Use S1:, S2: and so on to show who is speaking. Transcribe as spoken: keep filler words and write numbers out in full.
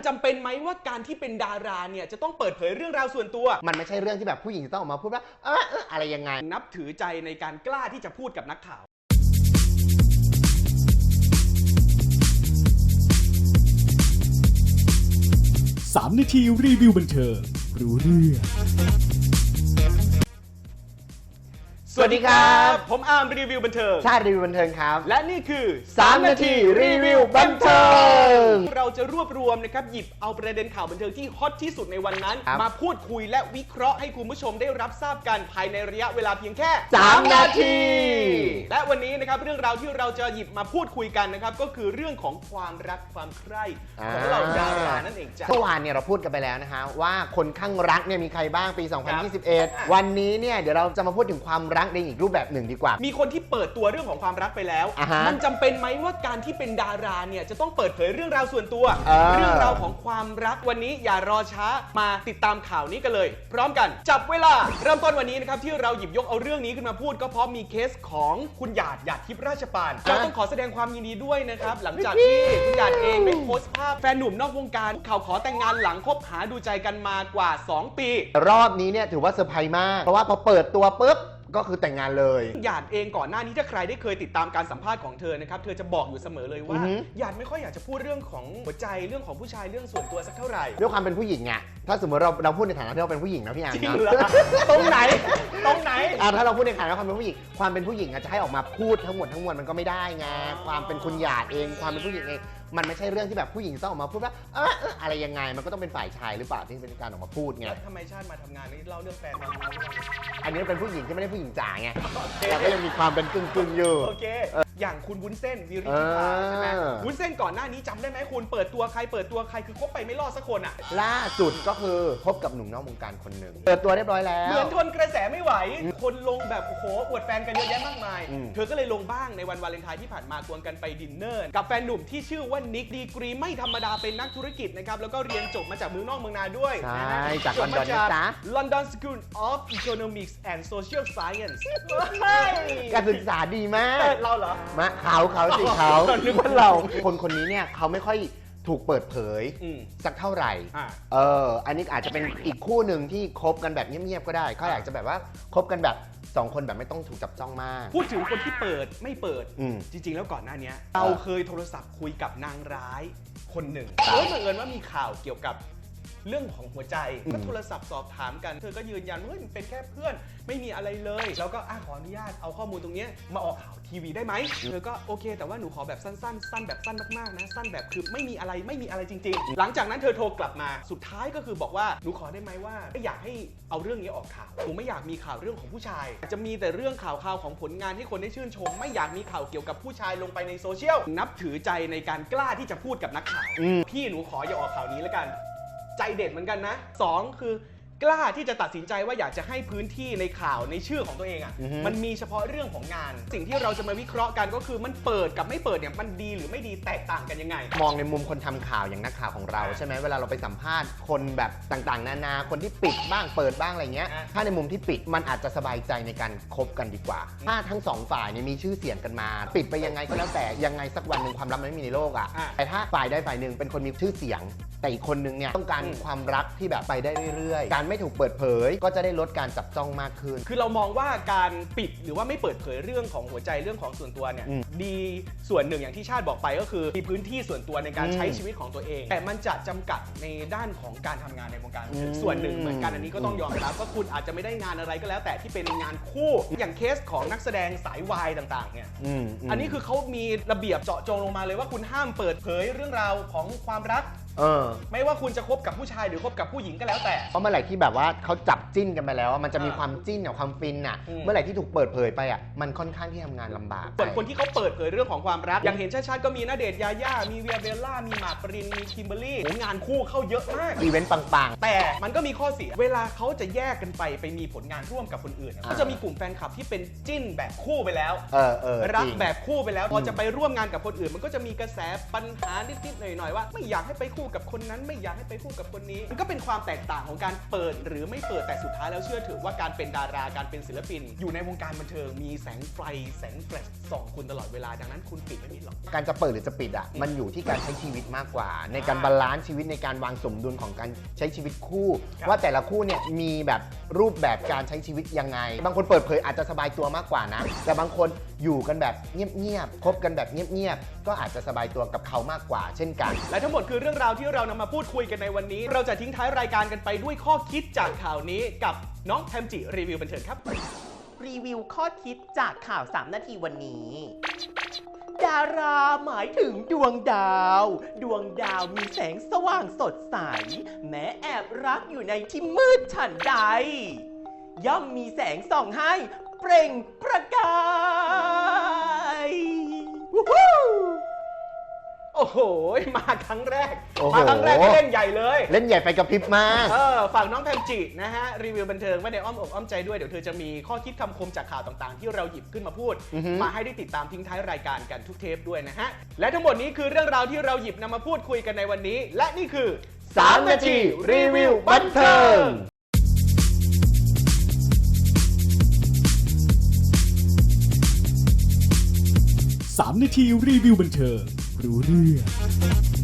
S1: จำเป็นไหมว่าการที่เป็นดาราเนี่ยจะต้องเปิดเผยเรื่องราวส่วนตัว
S2: มันไม่ใช่เรื่องที่แบบผู้หญิงจะต้องออกมาพูดว่าเออเอออะไรยังไง
S1: นับถือใจในการกล้าที่จะพูดกับนักข่าว
S3: สามนาทีรีวิวบันเทิงรู้เรื่อง
S1: สวัสดีครับผมอาร์มรีวิวบันเทิง
S2: ชาติรีวิวบันเทิงครับ
S1: และนี่คือ
S2: สามนาทีรีวิวบันเทิง
S1: เราจะรวบรวมนะครับหยิบเอาประเด็นข่าวบันเทิงที่ฮอตที่สุดในวันนั้นมาพูดคุยและวิเคราะห์ให้คุณผู้ชมได้รับทราบกันภายในระยะเวลาเพียงแค่
S2: สามนาที
S1: และวันนี้นะครับเรื่องราวที่เราจะหยิบมาพูดคุยกันนะครับก็คือเรื่องของความรักความใคร่ของเราดารานั่นเองจ้ะ
S2: เมื่อวานเนี่ยเราพูดกันไปแล้วนะฮะว่าคนข้างรักเนี่ยมีใครบ้างปีสองพันยี่สิบเอ็ดวันนี้เนี่ยเดี๋ยวเราจะมาพูดถึงความรักในอีกรูปแบบหนึ่งดีกว่า
S1: มีคนที่เปิดตัวเรื่องของความรักไปแล้ว
S2: uh-huh.
S1: มันจำเป็นไหมว่าการที่เป็นดาราเนี่ยจะต้องเปิดเผยเรื่องราวส่วนตัว
S2: uh.
S1: เรื่องราวของความรักวันนี้อย่ารอช้ามาติดตามข่าวนี้กันเลยพร้อมกันจับเวลาเริ่มต้นวันนี้นะครับที่เราหยิบยกเอาเรื่องนี้ขึ้นมาพูดก็เพราะมีเคสของคุณหยาดหยาดทิพย์ราชปาน uh. เราต้องขอแสดงความยินดีด้วยนะครับหลังจากที่คุณหยาดเองได้โพสต์ภาพแฟนหนุ่มนอกวงการเขาขอแต่งงานหลังคบหาดูใจกันมากว่าสองปี
S2: รอบนี้เนี่ยถือว่าเซอร์ไพรส์มากเพราะว่าพอเปิดตัวปุ๊บก็คือแต่งงานเลย
S1: หยาดเองก่อนหน้านี้ถ้าใครได้เคยติดตามการสัมภาษณ์ของเธอนะครับเธอจะบอกอยู่เสมอเลยว่าหยาดไม่ค่อยอยากจะพูดเรื่องของหัวใจเรื่องของผู้ชายเรื่องส่วนตัวสักเท่าไหร่
S2: ด้วยความเป็นผู้หญิงอ่ะถ้าสมมติเราเราพูดในฐานะที่เราเป็นผู้หญิงนะพี่อาร์ม
S1: จริงเหรอตรงไหนตรงไหน
S2: อ่าถ้าเราพูดในฐานะความเป็นผู้หญิงความเป็นผู้หญิงอาจจะให้ออกมาพูดทั้งหมดทั้งมวลมันก็ไม่ได้ไงความเป็นคุณหยาดเองความเป็นผู้หญิงเองมันไม่ใช่เรื่องที่แบบผู้หญิงต้องออกมาพูดว่าเอออะไรยังไงมันก็ต้องเป็นฝ่ายชายหรือเปล่าที่เป็นการออกมาพูดไง
S1: แล้วทำไมชาติมาทำงานนี่เล่าเรื่องแฟนมา
S2: อันนี้เป็นผู้หญิงที่ไม่ได้ผู้หญิงจ๋าไงแต่ก็ยังมีความเป็นกึ่งๆอยู่
S1: โอเคอย่างคุณวุ้นเส้นวิริธิภาใช่ไหมวุ้นเส้นก่อนหน้านี้จำได้ไหมคุณเปิดตัวใครเปิดตัวใครคือคบไปไม่รอดสักคนอ่ะ
S2: ล่าสุดก็คือคบกับหนุ่มนอกวงการคนหนึ่งเปิดตัวเรียบร้อยแล้ว
S1: เหมือนทนกระแสไม่ไหวคนลงแบบโอ้โหอวดแฟนกันเยอะแยะมากมายเธอก็เลยลงบ้างในวันวาเลนไทน์ที่ผ่านมาควงกันไปดินเนอร์กับแฟนหนุ่มที่ชื่อว่านิกดีกรีไม่ธรรมดาเป็นนักธุรกิจนะครับแล้วก็เรียนจบมาจากเมืองนอกเมืองนาด้วย
S2: ใช่จากลอนดอนนะจ๊ะ
S1: London School of Economics and Social Science
S2: การศึกษาดีมาก
S1: เราเหรอ
S2: มาเขาเขาสิเขา
S1: นึกว่าเรา
S2: คนคนนี้เนี่ยเขาไม่ค่อยถูกเปิดเผยสักเท่าไหร่เอออันนี้อาจจะเป็นอีกคู่หนึ่งที่คบกันแบบเงียบๆก็ได้เขาอยากจะแบบว่าคบกันแบบสองคนแบบไม่ต้องถูกจับจ้องมาก
S1: พูดถึงคนที่เปิดไม่เปิดจริงๆแล้วก่อนหน้านี้เราเคยโทรศัพท์คุยกับนางร้ายคนหนึ่งเออบังเอิญว่ามีข่าวเกี่ยวกับเรื่องของหัวใจก็โทรศัพท์สอบถามกันเธอก็ยืนยันว่าเป็นแค่เพื่อนไม่มีอะไรเลยแล้วก็ขออนุญาตเอาข้อมูลตรงนี้มาออกข่าวทีวีได้ไหมเธอก็โอเคแต่ว่าหนูขอแบบสั้นๆสั้นแบบสั้นมากๆนะสั้นแบบคือไม่มีอะไรไม่มีอะไรจริงๆหลังจากนั้นเธอโทรกลับมาสุดท้ายก็คือบอกว่าหนูขอได้ไหมว่าไม่อยากให้เอาเรื่องนี้ออกข่าวหนูไม่อยากมีข่าวเรื่องของผู้ชายจะมีแต่เรื่องข่าวข่าวของผลงานให้คนได้ชื่นชมไม่อยากมีข่าวเกี่ยวกับผู้ชายลงไปในโซเชียลนับถือใจในการกล้าที่จะพูดกับนักข่าวพี่หนูขออย่าออกข่าวนี้แล้วกันใจเด็ดเหมือนกันนะสองคือกล้าที่จะตัดสินใจว่าอยากจะให้พื้นที่ในข่าวในชื่อของตัวเองอ่ะ mm-hmm. มันมีเฉพาะเรื่องของงานสิ่งที่เราจะมาวิเคราะห์กันก็คือมันเปิดกับไม่เปิดเนี่ยมันดีหรือไม่ดีแตกต่างกันยังไง
S2: มองในมุมคนทำข่าวอย่างนักข่าวของเราใช่ไหมเวลาเราไปสัมภาษณ์คนแบบต่างๆนานาคนที่ปิดบ้างเปิดบ้างอะไรเงี้ยถ้าในมุมที่ปิดมันอาจจะสบายใจในการคบกันดีกว่าถ้าทั้งสองฝ่ายเนี่ยมีชื่อเสียงกันมาปิดไปยังไงก็แล้วแต่ยังไงสักวันหนึ่งความลับมันไม่มีในโลกอ่ะแต่ถ้าฝ่ายใดฝ่ายหนึ่งเป็นคนมีชื่อเสียงแต่อีกคนนึงเนี่ยต้องการความรักที่แบบไปได้เรื่อยๆการไม่ถูกเปิดเผยก็จะได้ลดการจับจ้องมากขึ้น
S1: คือเรามองว่าการปิดหรือว่าไม่เปิดเผยเรื่องของหัวใจเรื่องของส่วนตัวเนี่ยดีส่วนหนึ่งอย่างที่ชาติบอกไปก็คือมีพื้นที่ส่วนตัวในการใช้ชีวิตของตัวเองแต่มันจะจำกัดในด้านของการทำงานในวงการส่วนหนึ่งเหมือนกันอันนี้ก็ต้องยอมรับว่าคุณอาจจะไม่ได้งานอะไรก็แล้วแต่ที่เป็นงานคู่อย่างเคสของนักแสดงสายวายต่างๆเนี่ยอันนี้คือเขามีระเบียบเจาะจงลงมาเลยว่าคุณห้ามเปิดเผยเรื่องราวของความรักเออไม่ว่าคุณจะคบกับผู้ชายหรือคบกับผู้หญิงก็แล้วแต่
S2: เพราะเมื่อไหร่ที่แบบว่าเขาจับจิ้นกันไปแล้วมันจะมีความจิ้นกับความฟินอ่ะเมื่อไหร่ที่ถูกเปิดเผยไปอ่ะมันค่อนข้างที่ทำงานลำบาก
S1: ส่วนคนที่เขาเปิดเผยเรื่องของความรักอย่างเห็นชัดๆก็มีณเดชน์ยาย่ามีเวียเบลล่ามีหมากปรินมีคิมเบอร์รี่งานคู่เข้าเยอะมาก
S2: อีเวนต์ปัง
S1: ๆแต่มันก็มีข้อเสียเวลาเขาจะแยกกันไปไปมีผลงานร่วมกับคนอื่นก็จะมีกลุ่มแฟนคลับที่เป็นจิ้นแบบคู่ไปแล้ว
S2: เออเออ
S1: รักแบบคู่ไปแล้วพอจะไปร่วมงานกับคนอื่นมันก็จะมีกระแสปัญหานิดๆหน่อยๆว่าไม่อยากให้ไปคู่คู่กับคนนั้นไม่อยากให้ไปคู่กับคนนี้มันก็เป็นความแตกต่างของการเปิดหรือไม่เปิดแต่สุดท้ายแล้วเชื่อเถอะว่าการเป็นดาราการเป็นศิลปิน อยู่ในวงการบันเทิงมีแสงไฟแสงแฟลชส่องคุณตลอดเวลาดังนั้นคุณปิดไม่มิดหรอก
S2: การจะเปิดหรือจะปิดอ่ะมันอยู่ที่การใช้ชีวิตมากกว่า ในการบาลานซ์ชีวิตในการวางสมดุลของการใช้ชีวิตคู่
S1: ครับ
S2: ว่าแต่ละคู่เนี่ยมีแบบรูปแบบการใช้ชีวิตยังไง บางคนเปิดเผยอาจจะสบายตัวมากกว่านะแต่บางคนอยู่กันแบบเงียบๆคบกันแบบเงียบๆก็อาจจะสบายตัวกับเขามากกว่า เช่นกัน
S1: และทั้งหมดคือเรื่องราวที่เรานำมาพูดคุยกันในวันนี้ เราจะทิ้งท้ายรายการกันไปด้วยข้อคิดจากข่าวนี้กับน้องแทมจิรีวิวบันเทิงครับ
S4: รีวิวข้อคิดจากข่าว สาม นาทีวันนี้ ดาราหมายถึงดวงดาว ดวงดาวมีแสงสว่างสดใส แม้แอบรักอยู่ในที่มืดฉันใด ย่อมมีแสงส่องให้เปล่งประกายวู้ฮู้
S1: โอ้โห มาครั้งแรก
S2: โอ้โห
S1: มาครั้งแรกก็เล่นใหญ่เลย
S2: เล่นใหญ่ไปกับพริบมาก
S1: เออฝากน้องแพมจินะฮะ รีวิวบันเทิงไว้ในอ้อมอกอ้อมใจด้วย เดี๋ยวเธอจะมีข้อคิดคำคมจากข่าวต่างๆ ที่เราหยิบขึ้นมาพูด
S2: อือฮึ
S1: มาให้ได้ติดตามทิ้งท้ายรายการกันทุกเทปด้วยนะฮะ และทั้งหมดนี้คือเรื่องราวที่เราหยิบนำมาพูดคุยกันในวันนี้ และนี่คือ
S2: สาม นาทีรีวิวบันเทิง
S3: สาม นาทีรีวิวบันเทิงรู้เรื่อง